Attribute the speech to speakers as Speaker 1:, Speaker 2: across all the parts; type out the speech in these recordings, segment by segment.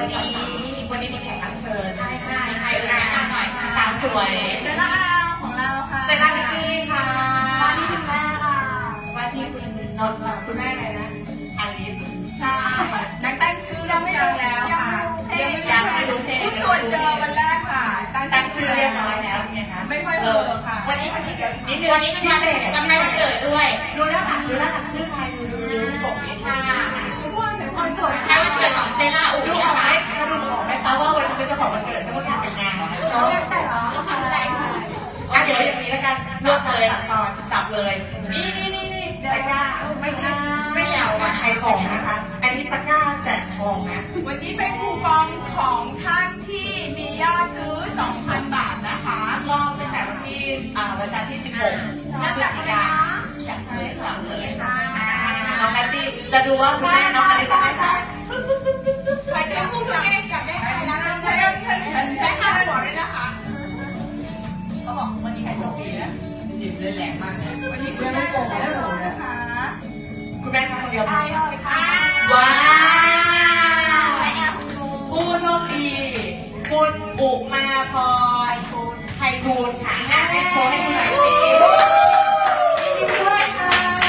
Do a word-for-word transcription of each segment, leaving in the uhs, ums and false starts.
Speaker 1: วันนี้วันนี้มีแขกรับเชิญ
Speaker 2: ใช่ใช่ใครแนะนำหน่อยสาวสวย
Speaker 1: เซร่าของเราค่ะ
Speaker 2: เซร่าพี่ค่ะ
Speaker 1: ว่าที่คุณแม่ค่ะ
Speaker 2: ว่าที่คุณนนท์คุณแม่อะไรนะอลิส
Speaker 1: ใช่นักตั้งชื่อเราไม่รู้แล้วค่ะ
Speaker 2: ยังยังไม่รู้เพลง
Speaker 1: เพิ่งตรวจเจอวันแรกค่ะ
Speaker 2: ตั้งชื่อเรียบร้อยแล้วไงคะ
Speaker 1: ไม่ค่อยเบอร์ค่ะ
Speaker 2: วันนี้วันนี้เดี๋ยวนิดนึงวันนี้มันวันวันวันเกิดด้วยดูหน้าหลักดูหน้าหลักชื่อใครดูดูดูส่งนี้ค่ะ
Speaker 1: ทุกคนแต่คนสวย
Speaker 2: ใช่วันเกิดของเซร่าอู๋ดูออกไหมดูออกไหมเพราะว่าวันนี้เป็นเจ้าของวันเกิดไม่ต้องทำเป็นงานของ
Speaker 1: เรา
Speaker 2: เขา
Speaker 1: แต่เราทำแรงค่ะ
Speaker 2: อ่ะเดี๋ยวอย่างนี้แล้วกันรวบเลยตอนจับเลยนี่นี่นี่นี่ตะกร้าไม่ใช่ไม่ใช่เอามาใครของนะคะอันนี้ตะกร้าแจกทองนะ
Speaker 1: วันนี้เป็นคูปองของท่านที่มียอดซื้อ สองพัน บาทนะคะ
Speaker 2: รอบตั้งแต่วันที่อ่าวันจันทร์ที่สิบหกพฤศจิกายนจากเลยหลังเลยน้องแพตตี้จะดูว่าคุณแม่น้องอะไรจะได้ไหม
Speaker 1: ใครจะพูดถึงเองจับได้ใครแล้วได้ได้ได้ค่าหัวเลยนะคะเขาบอกวันนี้ใครโชคดีนะดิบเลยแหลมมากเลยวันนี้คุณแม่โกงแล้วนะคะ
Speaker 2: คุณแม่ทำคนเดียว
Speaker 1: ได้เลยค่ะ
Speaker 2: ว้าวผู้โชคดีคุณอุมาพรไทยทูลค่ะงานให้โชว์ให้คุณหน่อยสิยินดีด้วยค่ะ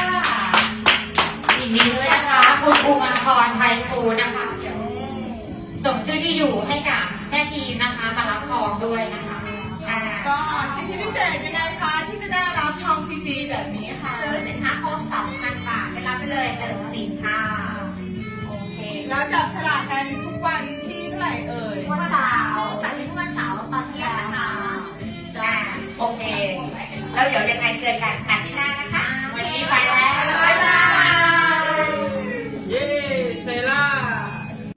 Speaker 2: ยินดีด้วยนะคะคุณอุมาพรไทยทูลนะคะส่งชื่อที่อยู่ให้กับแม่ทีนะคะมารับทองด้วยนะคะ
Speaker 1: ก็สิทธิพิเศษยังไงคะที่จะได้รับทองฟรีๆแบบนี้ค่ะ
Speaker 2: ซื้อสินค้าครบ สองพัน บาทได้รับไปเลยหนึ่งสินค้าโอเค
Speaker 1: แล้วจับฉลากกันทุกวันที่เท่าไหร่เอ่ย
Speaker 2: วันเสาร์จัดทุกวันเสาร์ตอนเที่ยงนะคะจ้าโอเคแล้วเดี๋ยวยังไงเจอกันอาทิตย์หน้านะคะ